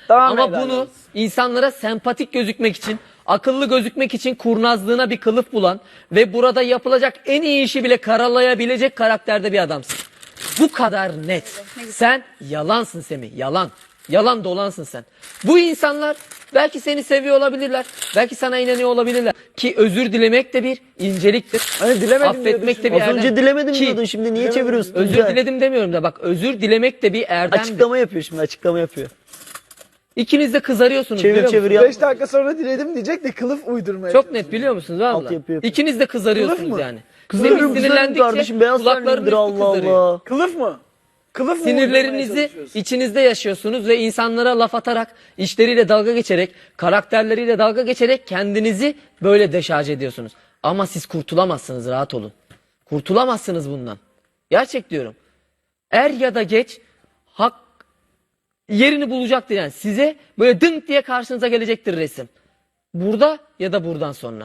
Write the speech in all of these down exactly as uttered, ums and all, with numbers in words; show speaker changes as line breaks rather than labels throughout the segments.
Tamam,
Ama bunu insanlara sempatik gözükmek için, akıllı gözükmek için kurnazlığına bir kılıf bulan ve burada yapılacak en iyi işi bile karalayabilecek karakterde bir adamsın. Bu kadar net. Sen yalansın Semih, yalan. Yalan dolansın sen. Bu insanlar belki seni seviyor olabilirler. Belki sana inanıyor olabilirler. Ki özür dilemek de bir inceliktir.
Hani dilemedim diyordun
Affetmek de
şimdi.
bir
Az
erdem.
önce dilemedim
Ki
diyordun, şimdi niye çeviriyorsun?
özür
Tuncay?
diledim demiyorum da bak, özür dilemek de bir erdemdir.
Açıklama yapıyor şimdi, açıklama yapıyor.
İkiniz de kızarıyorsunuz,
Çevir,
biliyor
çevir
musunuz?
yap.
beş dakika sonra diledim diyecek de kılıf uydurmaya
Çok
çalışıyor.
net, biliyor musunuz valla?
Altyapı yapıyor.
İkiniz de
Kılıf
kızarıyorsunuz
mı?
yani.
Kızarım
Semih
kızarım
sinirlendikçe
kardeşim, beyaz
kulaklarının
tenlidir,
üstü
Allah
kızarıyor.
Allah.
Kılıf mı? Kılıf mı uydurmaya
Sinirlerinizi
çalışıyorsun?
içinizde yaşıyorsunuz ve insanlara laf atarak, işleriyle dalga geçerek, karakterleriyle dalga geçerek kendinizi böyle deşarj ediyorsunuz. Ama siz kurtulamazsınız, rahat olun. Kurtulamazsınız bundan. Gerçek diyorum. Er ya da geç hak yerini bulacaktır yani. Size böyle dınk diye karşınıza gelecektir resim. Burada ya da buradan sonra.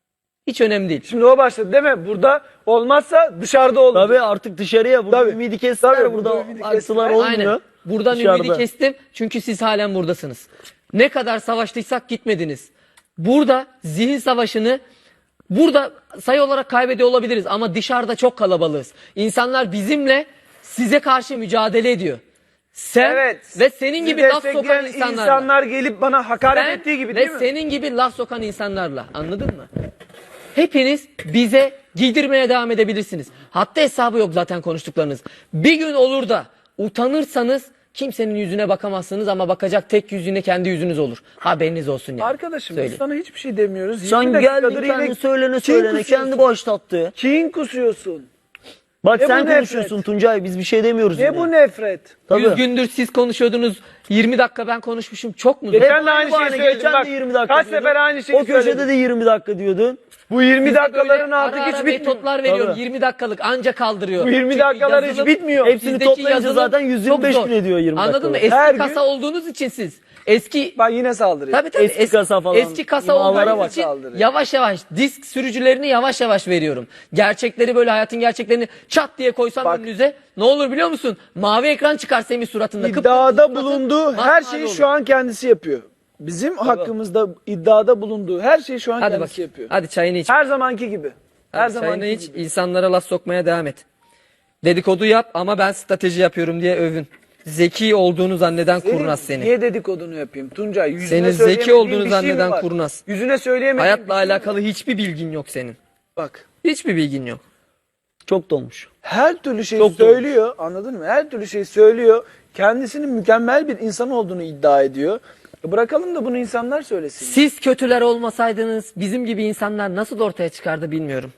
Hiç önemli değil.
Şimdi o başladı değil mi? Burada olmazsa dışarıda olur.
Tabii artık dışarıya, burada
Tabii.
ümidi kestiler,
Tabii,
burada
burada ümidi
aktılar
kestiler.
olmuyor.
Aynen. Buradan
Dışarıda.
ümidi kestim çünkü siz halen buradasınız. Ne kadar savaştıysak gitmediniz. Burada zihin savaşını burada sayı olarak kaybediyor olabiliriz ama dışarıda çok kalabalığız. İnsanlar bizimle size karşı mücadele ediyor. Sen
Evet.
ve senin
Sizi
gibi laf sokan
destekleyen
insanlarla.
insanlar gelip bana hakaret
Ben
ettiği gibi
ve
değil mi?
senin gibi laf sokan insanlarla, anladın mı? Hepiniz bize giydirmeye devam edebilirsiniz. Hatta hesabı yok zaten konuştuklarınız. Bir gün olur da utanırsanız kimsenin yüzüne bakamazsınız ama bakacak tek yüzüne kendi yüzünüz olur. Haberiniz olsun yani.
Arkadaşım biz
Söyleyeyim.
sana hiçbir şey demiyoruz.
Sen
yirmi
geldin
dakikadır yine
kendi söylene
kin
söylene,
kusuyorsun.
kendi başlattı.
Kin kusuyorsun.
Bak
Ne
sen
bu nefret?
konuşuyorsun Tuncay, biz bir şey demiyoruz.
Ne
yine.
bu nefret?
Tabii.
yüz gündür siz konuşuyordunuz. yirmi dakika ben konuşmuşum. Çok mu?
Geçen de
Hep
aynı
bahane,
şeyi söyledim.
geçen
Bak,
de yirmi dakika
kaç
diyordun.
sefer aynı şeyi
O köşede
söyledim.
de yirmi dakika diyordun.
Bu yirmi
Size
dakikaların
böyle
artık
ara
hiç
ara
bitmiyor.
metotlar veriyorum.
Tabii.
yirmi dakikalık anca kaldırıyor.
Bu yirmi
Çünkü
dakikalar hiç
yazılım-
bitmiyor.
Hepsini
Sizdeki
toplayınca
yazılım
zaten yüz yirmi beş
çok zor.
gün ediyor yirmi
Anladın mı?
dakikalık.
Eski
Her
kasa
gün-
olduğunuz için siz. Eski
Bak yine saldırıyor.
Tabii tabii.
Eski
Es-
kasa falan.
Eski kasa
İmalara
olduğunuz
bak.
için
Saldırıyor.
yavaş yavaş disk sürücülerini yavaş yavaş veriyorum. Gerçekleri böyle, hayatın gerçeklerini çat diye koysam
Bak.
önünüze ne olur biliyor musun? Mavi ekran çıkar Semih suratında. Kıpkırmızı
İddiada
suratın
bulunduğu her
masmavi
şeyi
olur.
şu an kendisi yapıyor. Bizim hakkımızda iddiada bulunduğu her şeyi şu an
Hadi
kendisi
bak.
yapıyor.
Hadi çayını iç.
Her zamanki gibi. Her
Hadi çayını
zamanki
iç.
gibi.
İnsanlara laf sokmaya devam et. Dedikodu yap ama ben strateji yapıyorum diye övün. Zeki olduğunu zanneden
Senin
kurnaz seni.
Niye dedikodunu yapayım? Tuncay yüzüne
Senin zeki
söyleyemediğin
olduğunu
bir şey mi
zanneden
var?
kurnaz.
Yüzüne söyleyemediğin
Hayatla
bir şey mi var?
alakalı hiçbir bilgin yok senin.
Bak.
Hiçbir bilgin yok.
Çok dolmuş.
Her türlü şey
Çok
söylüyor. Anladın mı? Her türlü şey söylüyor. Kendisinin mükemmel bir insan olduğunu iddia ediyor. E bırakalım da bunu insanlar söylesin.
Siz kötüler olmasaydınız bizim gibi insanlar nasıl ortaya çıkardı bilmiyorum.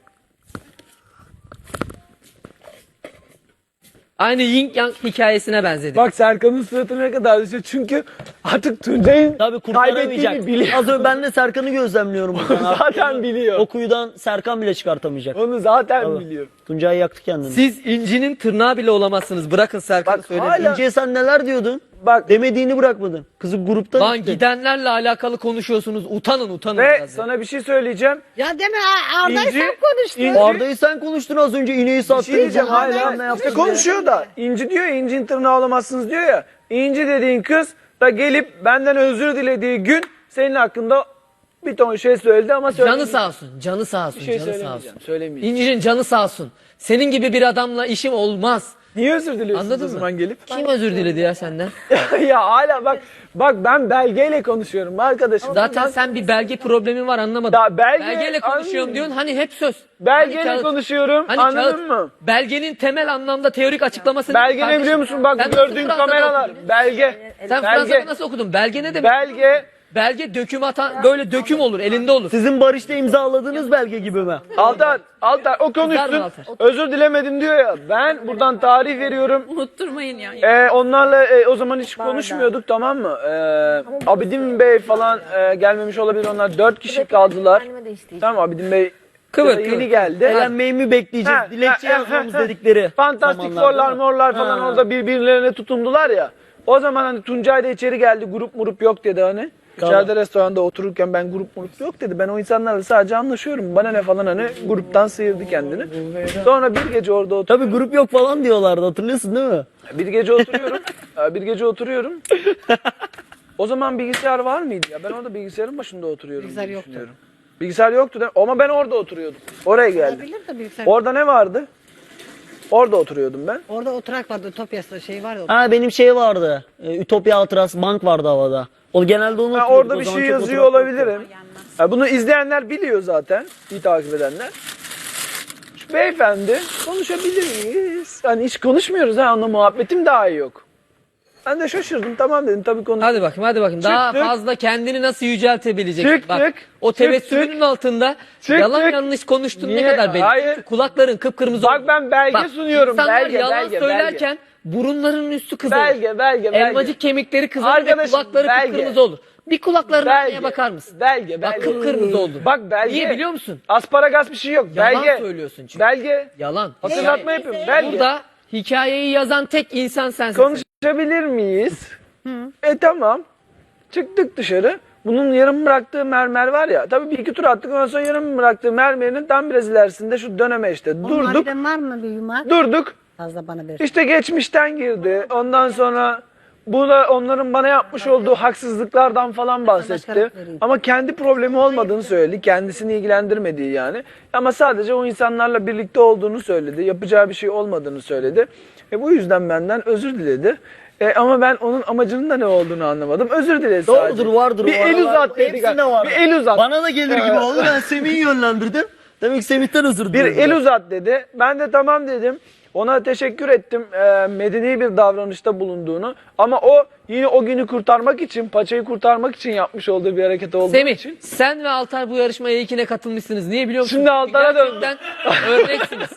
Aynı Yin Yang hikayesine benzedi.
Bak Serkan'ın suratı ne kadar düşüyor. Çünkü artık Tuncay'ın
Tabii
kaybettiğini
kurtaramayacak.
biliyor.
Az önce ben de Serkan'ı gözlemliyorum buradan.
Zaten biliyor.
O kuyudan Serkan bile çıkartamayacak.
Onu zaten
Tabii.
biliyor.
Tuncay yaktı kendini.
Siz incinin tırnağı bile olamazsınız. Bırakın Serkan'ı
Bak,
söylemeyi.
hala-
İnce'ye sen neler diyordun?
Bak
Demediğini bırakmadın. Kızı gruptan
Lan
attın.
gidenlerle alakalı konuşuyorsunuz. Utanın utanın.
ve
biraz ya.
sana bir şey söyleyeceğim.
Ya deme Arda'yı
İnci-
sen konuştun.
İnci-
Arda'yı sen konuştun az önce, ineği
Bir
sattın.
şey diyeceğim
Bilmem
hala.
ne
İşte
yaptın
konuşuyor da. İnci diyor ya, incin tırnağı olamazsınız diyor ya. İnci dediğin kız da gelip benden özür dilediği gün senin hakkında bir ton şey söyledi ama
Canı
söylemeyeceğim.
sağ olsun. Canı sağ olsun.
Bir şey
canı sağ olsun.
söylemeyeceğim. Söylemeyeceğim.
İncinin canı sağ olsun. Senin gibi bir adamla işim olmaz.
Niye özür diliyorsun
Anladın
o
mı?
zaman gelip?
Kim özür diledi ya senden?
Ya hala bak bak ben belgeyle konuşuyorum arkadaşım.
Zaten
Ben-
sen bir belge problemin var, anlamadım.
Ya belge-
Belgeyle konuşuyorum
anlıyorum.
diyorsun, hani hep söz.
belgeyle
Hani kağıt-
konuşuyorum
Hani
anladın
kağıt-
mı?
Belgenin temel anlamda teorik açıklamasını...
Belge ne
Kardeşim,
biliyor musun? Bak
sen
bu gördüğün
nasıl Fransa'da
kameralar.
okudun?
Belge.
Sen
belge.
Fransa'da nasıl okudun? Belge ne demek?
Belge.
Belge döküm atan, böyle döküm olur, elinde olur.
Sizin barışta imzaladığınız belge gibi mi?
Altar, Altar o konuşsun.
Güzel mi Altar?
Özür dilemedim diyor ya. Ben buradan tarih veriyorum.
Unutturmayın ya.
Ee, onlarla e, o zaman hiç konuşmuyorduk, tamam mı? Ee, Abidin Bey falan e, gelmemiş olabilir, onlar dört kişi kaldılar. Tamam, Abidin Bey
Kıvır,
yeni
kıvır.
geldi.
Eğlenmeyi mi bekleyeceğiz?
Ha,
Dilekçe
ha, ha,
yazmamız
ha.
dedikleri
Fantastik
zamanlar
Four'lar
değil mi?
morlar falan
Ha.
orada birbirlerine tutundular ya. O zaman hani Tuncay da içeri geldi, grup murup yok dedi hani.
Tamam.
İçeride restoranda otururken ben grup murup yok dedi. Ben o insanlarla sadece anlaşıyorum. Bana ne falan, hani gruptan sıyırdı kendini. Sonra bir gece orada otur.
Tabii grup yok falan diyorlardı, hatırlıyorsun değil mi?
Bir gece oturuyorum. Bir gece oturuyorum. O zaman bilgisayar var mıydı ya? Ben orada bilgisayarın başında oturuyorum.
Bilgisayar
diye
yoktu.
düşünüyorum. Bilgisayar yoktu değil mi? Ama ben orada oturuyordum. Oraya geldim.
Olabilir de bilgisayar.
Orada ne vardı? Orada oturuyordum ben.
Orada oturak vardı, Ütopya'sı şey vardı.
Ha benim şey vardı. Ee, Ütopya Hatırası bank vardı havada. O genelde onu
Ben
oturuyorduk.
orada
O
bir
zaman
şey
çok
yazıyor
oturak yoktu.
olabilirim. Ya bunu izleyenler biliyor zaten. İyi takip edenler. Şu beyefendi konuşabilir miyiz? Hani hiç konuşmuyoruz ha. Onunla muhabbetim daha iyi yok. Ben de şaşırdım. Tamam dedim tabii konuş.
Hadi bakayım hadi bakayım. Daha
Çıktık.
fazla kendini nasıl yüceltebileceksin?
Çıktık.
Bak o tebessümünün
Çıktık.
altında
Çıktık.
yalan yanlış konuştuğun ne
Niye?
kadar belli.
Hayır.
Çünkü kulakların kıpkırmızı
Bak
oldu.
ben belge sunuyorum.
İnsanlar
Belge,
yalan
belge,
söylerken burunlarının üstü kızarır.
Belge, belge, belge.
Elmacık kemikleri kızarır ve
Arkadaşım,
kulakları
belge.
kıpkırmızı olur. Bir kulaklarına
Belge.
aynaya bakar mısın?
Belge,
Bak
belge.
kıpkırmızı oldu.
Bak belge.
Niye biliyor musun?
Asparagas bir şey yok.
Yalan
belge.
söylüyorsun çünkü.
Belge.
Yalan.
Hatırlatma yapıyorum. Belge.
Burada hikayeyi yazan tek insan sensin.
Konuşabilir miyiz? E tamam. Çıktık dışarı. Bunun yarım bıraktığı mermer var ya. Tabii bir iki tur attık. Ondan sonra yarım bıraktığı mermerinin tam biraz ilerisinde şu döneme işte. Durduk.
Onlardan var mı bir yumak?
Durduk.
Fazla bana ver.
İşte geçmişten girdi. Ondan sonra bu da onların bana yapmış olduğu haksızlıklardan falan bahsetti. Ama kendi problemi olmadığını söyledi. Kendisini ilgilendirmediği yani. Ama sadece o insanlarla birlikte olduğunu söyledi. Yapacağı bir şey olmadığını söyledi. E bu yüzden benden özür diledi. E ama ben onun amacının da ne olduğunu anlamadım. Özür diledi sadece.
Doğrudur vardır.
Bir
o
el
aralar.
uzat dedi.
Hepsinde var.
Bir el uzat.
Bana da gelir gibi oldu. Ben Semih'i yönlendirdim. Demek ki Semih'ten özür
Bir
dilerim.
el uzat dedi. Ben de tamam dedim. Ona teşekkür ettim e, medeni bir davranışta bulunduğunu. Ama o yine o günü kurtarmak için, paçayı kurtarmak için yapmış olduğu bir hareket olduğu
Semih,
için.
sen ve Altar bu yarışmaya ilkine katılmışsınız. Niye biliyor musun?
Şimdi Altar'a döndüm.
Gerçekten örneksiniz.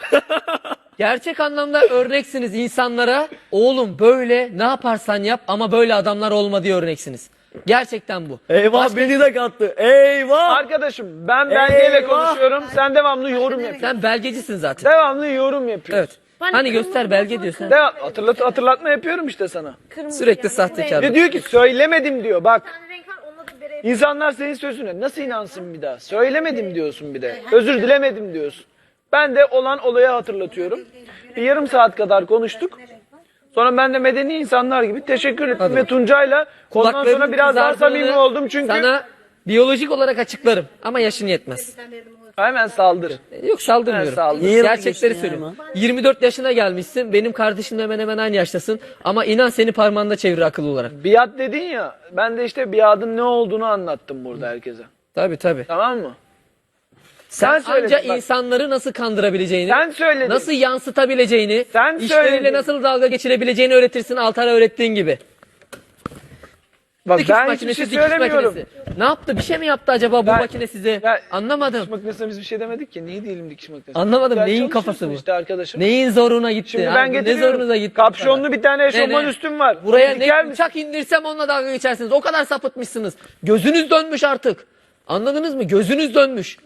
Gerçek anlamda örneksiniz insanlara. Oğlum böyle ne yaparsan yap ama böyle adamlar olma diye örneksiniz. Gerçekten bu.
Eyvah
Başka-
beni de kattı. Eyvah.
Arkadaşım ben belgeyle
Eyvah!
konuşuyorum. Sen devamlı yorum yapıyorsun.
Sen belgecisin zaten.
Devamlı yorum yapıyorsun.
Evet. Hani göster belge diyorsun.
Devam, hatırlat, hatırlatma yapıyorum işte sana.
Sürekli sahtekar.
Ve diyor ki söylemedim diyor bak. İnsanlar senin sözüne nasıl inansın bir daha? Söylemedim diyorsun bir de. Özür dilemedim diyorsun. Ben de olan olayı hatırlatıyorum. Bir yarım saat kadar konuştuk. Sonra ben de medeni insanlar gibi teşekkür ettim
Hadi
ve
bak.
Tuncay'la ondan sonra
Kulaklarının
biraz daha
kızardığını
samimi oldum çünkü
sana biyolojik olarak açıklarım ama yaşın yetmez.
hemen saldır.
Yok saldırmıyorum.
Ben saldır.
Niye
Gerçekleri
yapıyorsun
söylüyorum.
ya
yirmi dört yaşına gelmişsin. Benim kardeşimle hemen hemen aynı yaştasın. Ama inan seni parmağında çevir akıllı olarak.
Biat dedin ya. Ben de işte biatın ne olduğunu anlattım burada herkese.
Tabii tabii.
Tamam mı?
Sen,
Sen söyledin
anca
bak.
insanları nasıl kandırabileceğini,
Sen söyledin.
nasıl yansıtabileceğini,
Sen
işleriyle
söyledin.
nasıl dalga geçirebileceğini öğretirsin Altar'a öğrettiğin gibi.
Bak
Dikiş
ben hiçbir
makinesi,
şey
dikiş
söylemiyorum.
makinesi. Ne yaptı? Bir şey mi yaptı acaba bu
Ben-
makine size?
Ya,
Anlamadım.
Dikiş makinesine biz bir şey demedik ki. Niye değilim dikiş makinesi?
Anlamadım.
Sen
Neyin
çalışıyorsun
kafası bu?
İşte arkadaşım.
Neyin zoruna gitti?
Şimdi
Ha,
ben
bu ne
getiriyorum.
zorunuza gitti?
Kapşonlu bir tane eşofman
Ne, ne?
üstüm var.
Buraya
Onu diker
ne
misin?
bıçak indirsem onunla dalga geçersiniz. O kadar sapıtmışsınız. Gözünüz dönmüş artık. Anladınız mı? Gözünüz dönmüş.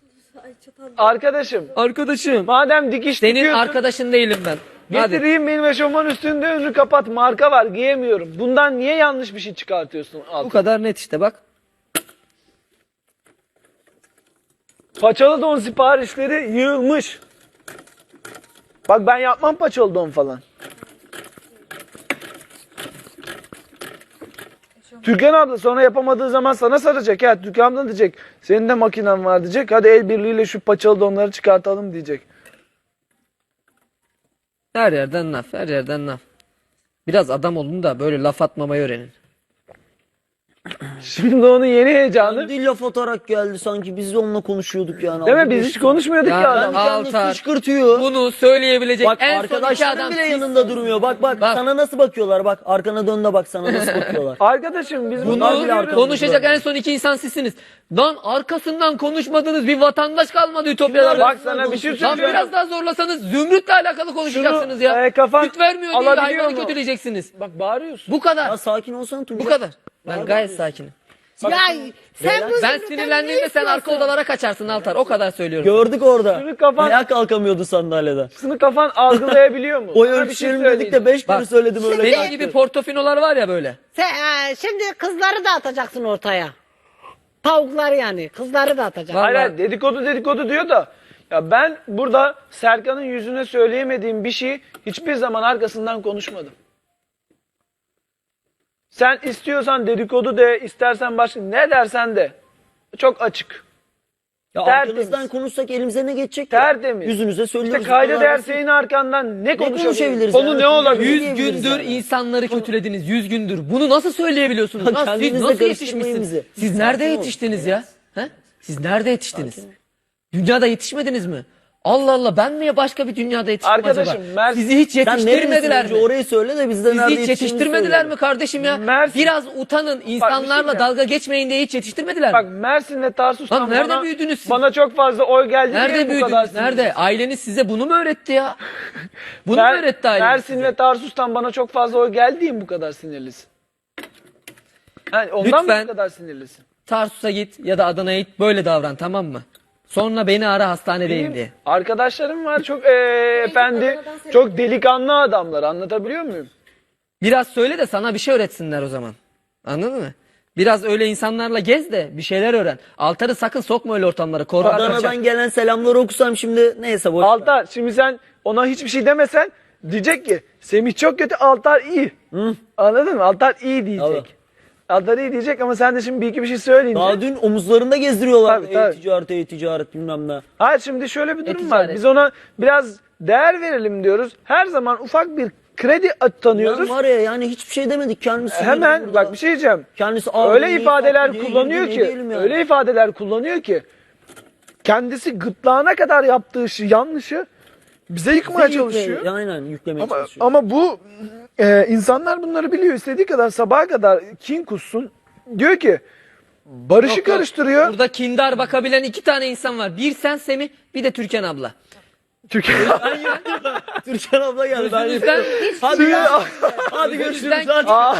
Arkadaşım
Arkadaşım.
madem dikiş
Senin
dikiyorsun,
arkadaşın değilim ben. Hadi.
getireyim benim eşofman üstünde önünü kapat. Marka var giyemiyorum. Bundan niye yanlış bir şey çıkartıyorsun?
Bu
Altı?
kadar net işte bak.
Paçalı don siparişleri yığılmış. Bak ben yapmam paçalı don falan. Türkan abla sonra yapamadığı zaman sana saracak ya. Türkan abla diyecek. Senin de makinen var diyecek. Hadi el birliğiyle şu paçalı donları çıkartalım diyecek.
Her yerden laf, her yerden laf. Biraz adam olun da böyle laf atmamayı öğrenin.
Şimdi onun yeni heyecanı.
Dil laf atarak geldi sanki biz de onunla konuşuyorduk yani.
Değil mi?
Aldı
Biz
geçti.
hiç konuşmuyorduk
Ya
ya
ben-
adam.
Kendi
Altar.
kışkırtıyor.
Bunu söyleyebilecek
Bak
en son iki
arkadaşların
adam
bile
siz-
yanında durmuyor. Bak, bak
Bak.
sana nasıl bakıyorlar bak. Arkana dön de bak sana nasıl bakıyorlar.
Arkadaşım biz bunlar
Bunu
bile
arkamızda.
konuşacak en son iki insan sizsiniz. Lan arkasından konuşmadığınız bir vatandaş kalmadı Ütopyalarda.
Bak sana bir şey
Lan
söyleyeceğim.
biraz daha zorlasanız Zümrüt'le alakalı konuşacaksınız
Şunu,
ya.
e, kafan
Süt vermiyor diye
alabiliyor
hayvanı
mu?
kötüleyeceksiniz.
Bak bağırıyorsun.
Bu kadar.
Ya sakin olsana Tuncay.
Bu kadar. Ben gayet sakinim.
Ya sen bu
Ben sinirlendiğimde sen arka odalara kaçarsın Altar. O kadar söylüyorum.
Gördük orada.
Şunu kafan-
Ayağa kalkamıyordu sandalyeden.
Şunu kafan algılayabiliyor mu?
O
Sana bir şey
ölçülerim dedik de
söyleyeceğim.
beş kere
Bak,
söyledim öyle.
Benim
kalktı.
gibi portofinolar var ya böyle.
sen, e, şimdi kızları da atacaksın ortaya. Tavukları yani. Kızları da atacaksın.
Var.
Hayır,
Vallahi-
hayır dedikodu dedikodu diyor da ya ben burada Serkan'ın yüzüne söyleyemediğim bir şeyi hiçbir zaman arkasından konuşmadım. Sen istiyorsan dedikodu de, istersen başka ne dersen de. Çok açık.
Ya
Tertemiz.
arkanızdan konuşsak elimize ne geçecek ya?
Tertemiz.
Yüzünüze söylüyoruz.
İşte kayda
Bu kadar
değer
basit.
senin arkandan ne konuşabiliriz?
konuşabiliriz
Konu
yani?
ne olabilir?
Yüz
diyebiliriz
gündür
yani?
insanları kötülediniz. Yüz gündür. Bunu nasıl söyleyebiliyorsunuz?
Bak,
Lan siz
kendinizle
nasıl
karıştırmayın
yetişmişsiniz?
bizi.
Siz
Sakin
nerede
olun.
yetiştiniz ya? He? Siz nerede yetiştiniz? Dünyada yetişmediniz mi? Allah Allah, ben mi başka bir dünyada yetiştim
Arkadaşım,
acaba?
Mer-
Sizi hiç
Sen
yetiştirmediler
nerelisin?
mi?
Önce orayı söyle de bizden
Sizi
nerede
hiç
yetiştiğimizi
yetiştirmediler
söyle.
mi kardeşim ya?
Mersin-
Biraz utanın. İnsanlarla
diyeceğim.
dalga geçmeyin diye hiç yetiştirmediler
Bak
mi?
Mersin ve Tarsus'tan
Lan nerede
bana,
büyüdünüz siz?
bana çok fazla oy geldi diye
Nerede
bu kadar
büyüdünüz? Nerede? Aileniz size bunu mu öğretti ya? Bunu
Mer-
mu öğretti aileniz
Mersin
size?
ve Tarsus'tan bana çok fazla oy geldi diye mi bu kadar sinirlisin? Yani ondan
Lütfen.
mı bu kadar sinirlisin?
Tarsus'a git ya da Adana'ya git, böyle davran, tamam mı? Sonra beni ara, hastanedeyim
Benim
diye.
arkadaşlarım var çok eee, efendi, çok delikanlı adamlar, anlatabiliyor muyum?
Biraz söyle de sana bir şey öğretsinler o zaman. Anladın mı? Biraz öyle insanlarla gez de bir şeyler öğren. Altar'ı sakın sokma öyle ortamlara. Korkak kaçar.
Adana'dan gelen selamları okusam şimdi neyse boş ver.
Altar, şimdi sen ona hiçbir şey demesen diyecek ki Semih çok kötü, Altar iyi. Anladın mı? Altar iyi diyecek.
Tabii.
Altar iyi diyecek ama sen de şimdi bir iki bir şey söyleyince.
Daha dün omuzlarında gezdiriyorlar.
Tabii, tabii.
E-ticaret, e-ticaret bilmem ne.
Hayır, şimdi şöyle bir durum var.
E-ticaret.
Biz ona biraz değer verelim diyoruz. Her zaman ufak bir kredi tanıyoruz.
Ben var ya yani hiçbir şey demedik kendisi.
Hemen
burada.
bak bir şey diyeceğim.
Kendisi abi
Öyle
niye
ifadeler
kalktı diye
kullanıyor
girdi,
ki,
ne diyelim yani.
öyle ifadeler kullanıyor ki kendisi gırtlağına kadar yaptığı işi, yanlışı bize yıkmaya
Yükle-
çalışıyor.
Aynen yüklemeye
Ama,
çalışıyor.
ama bu e, insanlar bunları biliyor. İstediği kadar sabaha kadar kin kussun. Diyor ki barışı
Yok, yok.
karıştırıyor.
Burada kindar bakabilen iki tane insan var. Bir sen Semih, bir de Türkan abla.
Türkiye.
Türkan abla geldi. Ben
Yüzünüzden,
Hadi ya. Hadi görüşürüz.
yüzünüzden
Hadi.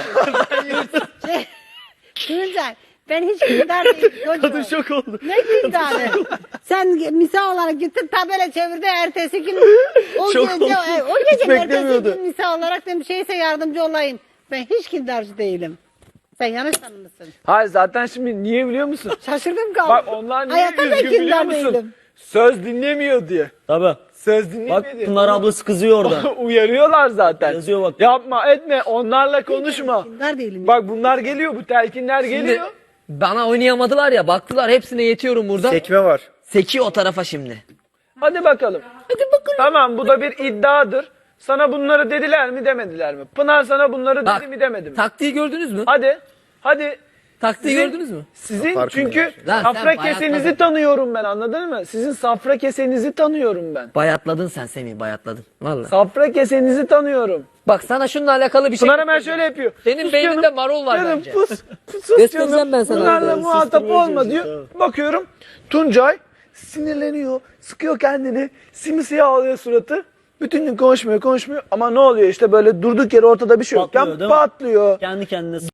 Tuncay, ben hiç kindar değilim çocuğum.
Kadın şok oldu.
Ne kindarı? Sen misal olarak gittin tabela çevirdi, ertesi gün o
Şok
gece,
oldu.
e, o
Hiç
gece ertesi
beklemiyordu.
gün misal olarak dedim şeyse yardımcı olayım. Ben hiç kindarcı değilim. Sen yanlış tanımışsın.
Hayır, zaten şimdi niye biliyor musun?
Şaşırdım kaldım.
Bak onlar niye
Hayatta da
üzgün biliyor
kindar
musun?
değilim.
Söz dinlemiyor diye.
Tabii.
Söz dinlemiyor
Bak
diye.
Pınar ablası kızıyor orada.
Uyarıyorlar zaten.
Yazıyor bak.
Yapma etme, onlarla konuşma.
Kindar değilim.
Bak bunlar geliyor, bu telkinler
Şimdi
geliyor.
bana oynayamadılar ya, baktılar hepsine yetiyorum burada.
Sekme var.
Seki o tarafa şimdi.
Hadi bakalım. Hadi bakalım. Tamam, bu da bir iddiadır. Sana bunları dediler mi demediler mi? Pınar sana bunları
Bak,
dedi mi demedi mi?
taktiği gördünüz mü?
Hadi. Hadi.
Taktiği
Sizin-
gördünüz mü?
Sizin çünkü
Lan sen
safra
bayatladın.
kesenizi tanıyorum ben, anladın mı? Sizin safra kesenizi tanıyorum ben.
Bayatladın sen Semih, bayatladın. Vallahi.
Safra kesenizi tanıyorum.
Bak sana şununla alakalı bir şey
Pınar hemen
göstereceğim.
şöyle yapıyor.
Senin
Sus
beyninde
canım,
marul var
canım,
bence.
Pus, pus, sus
Göstereceğim
canım.
ben sana.
Bunlarla
Evet,
muhatap
susturmaya
olma diyor.
çalışıyor,
Bakıyorum Tuncay sinirleniyor, sıkıyor kendini, simsiyah oluyor suratı. Bütün gün konuşmuyor konuşmuyor ama ne oluyor işte, böyle durduk yere ortada bir şey yokken
Patlıyor, değil mi?
patlıyor.
Kendi kendine